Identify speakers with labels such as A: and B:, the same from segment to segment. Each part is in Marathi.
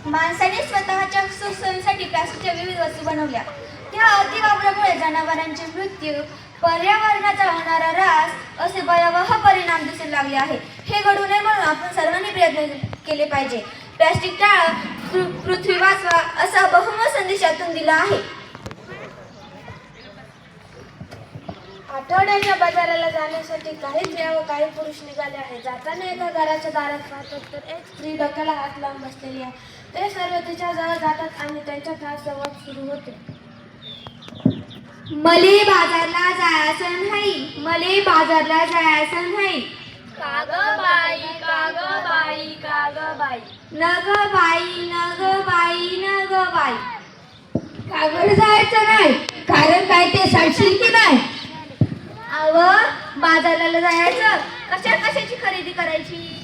A: माणसाने स्वतःच्या सुखसोयीसाठी प्लास्टिकच्या विविध वस्तू बनवल्या. त्या अतिवापरामुळे जनावरांचे मृत्यू, पर्यावरणाचा होणारा ऱ्हास असे भयावह परिणाम दिसू लागले आहे. हे घडू नये म्हणून आपण सर्वांनी प्रयत्न केले पाहिजे. प्लास्टिक टाळा, पृथ्वी वाचवा असा बहुमत संदेशातून दिला आहे.
B: आठवड्याच्या बाजाराला जाण्यासाठी काही स्त्रिया व काही पुरुष निघाले आहेत. जाताना एका घराच्या दारात पाहतात तर एक स्त्री डोक्याला हात लावून बसलेली आहे. ते सर्व तिच्या जवळ जातात आणि त्यांच्यात हा संवाद सुरू होतो.
A: मले बाजारला जायचं नाही, मले बाजारला जायचं नाही.
B: काग बाई, काग बाई, काग बाई.
A: नग बाई, नग बाई, नग बाई.
C: का बरं जायचं नाही? कारण काय ते सांगशील की नाही?
A: अव बाजारला जायचं, कशाची खरेदी करायची?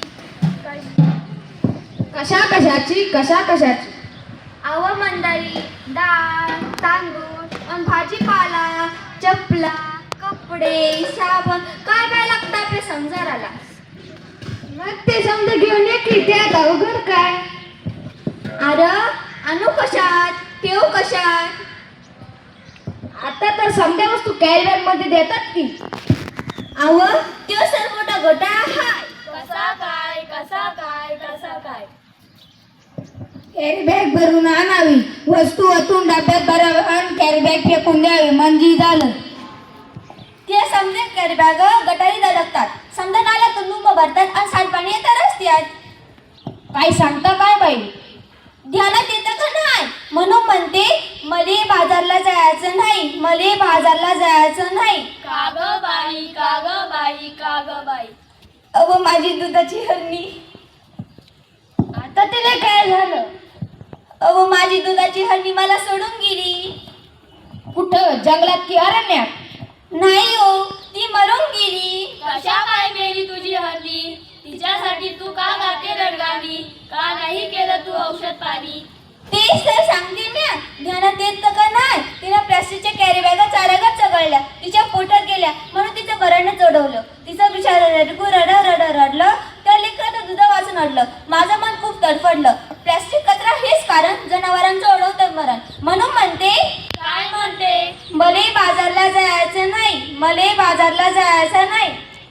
C: कशाची?
A: अव मंडळी, डाळ, तांदूळ, भाजीपाला, चपला, कपडे, साबण काय लागतं आपल्या संसाराला.
C: मग ते समजा घेऊन ये की, त्यात अवघड काय?
A: अरे आणू कशात, ठेव कशात?
C: आता तर समजा वस्तू कॅरी बॅग मध्ये देतात की.
A: अव त्यो सर्व मोठा घोटाळा हाय.
B: कसा काय?
C: कॅरी बॅग भरून आणावी, वस्तू ओतून डब्यात भरावी आणि कॅरी बॅग फेकून द्यावी म्हणजे झालं.
A: ते समजे कॅरी बॅग गटारी धडकतात, समजा नाल्यातून लुंब भरतात आणि सांडपाणी येतं रस्त्यात.
C: काय सांगता काय बाई?
A: ध्यानात येतं का नाही? म्हणून म्हणते मले बाजारला जायचं नाही, मले बाजारला जायचं नाही.
B: काग बाई, काग बाई, काग बाई.
A: अव माझी दुधाची हरणी,
C: आता तिला काय झालं?
A: अव माझी दुधाची हरणी मला सोडून गेली.
C: कुठं, जंगलात की अरण्यात?
A: नाही हो, ती मरून गेली.
B: कशा काय मेली तुझी हरणी? तिच्यासाठी तू का गाते रडगावी? का नाही केलं तू औषध पाणी?
A: तेच तर सांगते म्या, ध्यानात येतं का नाही? तिला प्लास्टिकच्या कॅरी बॅगा चारागात चघळल्या, तिच्या पोटात गेल्या म्हणून तिचं बऱ्यानं चढवलं. तिचं बिचारं रडलं, त्या लेकराचं दुधा वाचून अडलं. माझं मन खूप तडफडलं. प्लास्टिक कचरा हेच कारण, जनावरांचं ओढवतं मरण. म्हणून म्हणते,
B: काय म्हणते?
A: मले बाजारला जायचं नाही, मले बाजारला जायचं नाही.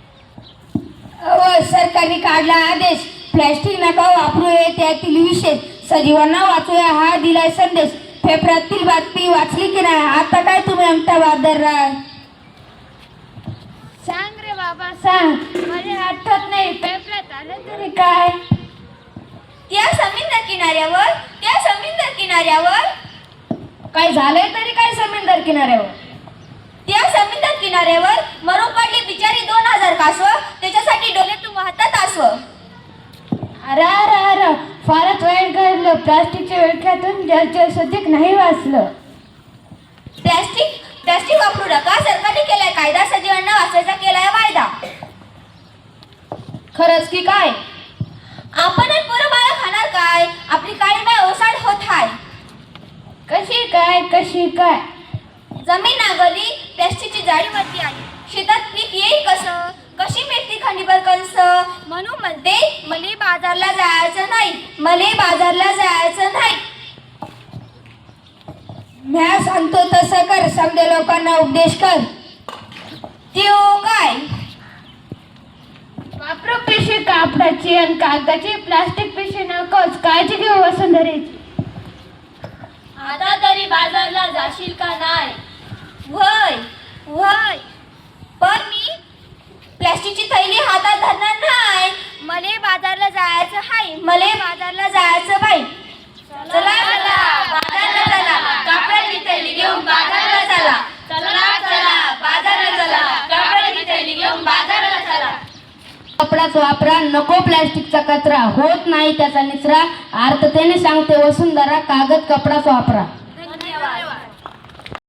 C: सरकारने काढला आदेश, प्लॅस्टिक नका वापरू हे त्यातील विशेष. सजीवांना वाचूया हा दिलाय संदेश. पेपरातील बातमी वाचली की नाही? आता काय तुम्ही आमचा बाजार राह?
B: सांग रे बाबा सांग, मला आठवत नाही. पेपरात आलं तरी काय?
A: त्या समुद्र किनाऱ्यावर
C: काय झालंय तरी काय समुद्र किनाऱ्यावर?
A: त्या समुद्र किनाऱ्यावर मरून पडली बिचारी 2000 कासव, त्याच्यासाठी डोल्यातून वाहतात आसव.
C: अरे फारच वाईट घडलं. प्लास्टिकच्या विळख्यातून जलचर सध्या नाही वाचलं.
A: प्लास्टिक वापरू नका, सरकारने केलाय कायदा, सजीवांना वाचवायचा केलाय वायदा.
C: खरंच की काय?
A: आपण पोरं बाळा खाणार काय? आपली काळी माय ओसाड होत हाय.
C: कशी काय?
A: जमीन नांगरली, प्लास्टिकची जाळीवरती आली, शेतात पीक येईल कसं? कशी मेथी खंडीभर कंस? म्हणून म्हणते मले बाजारला जायचं नाही, मले बाजारला जायचं नाही.
C: म्या सांगतो तसं कर, समजा लोकांना उपदेश कर.
A: त्यो काय?
C: वापरू पिशवी कापडाची आणि कागदाची, प्लास्टिक पिशवी नकोच. काळजी घेऊ वसुंधरेची.
B: आता तरी बाजारला जाशील का नाही?
A: वय पण मी प्लास्टिकची थैली हातात धरणार नाही. मले बाजारला जायचं हाय, मले बाजारला जायचं बाई. चला बाजारला चला, कापडाची थैली घेऊन बाजारला चला. बाजारला चला, कापडाची थैली घेऊन बाजारला चला.
C: कपडाच वापरा, नको प्लास्टिकचा कचरा. होत नाही त्याचा निचरा. अर्थतेने सांगते वसुंधरा, कागद कपडाच वापरा.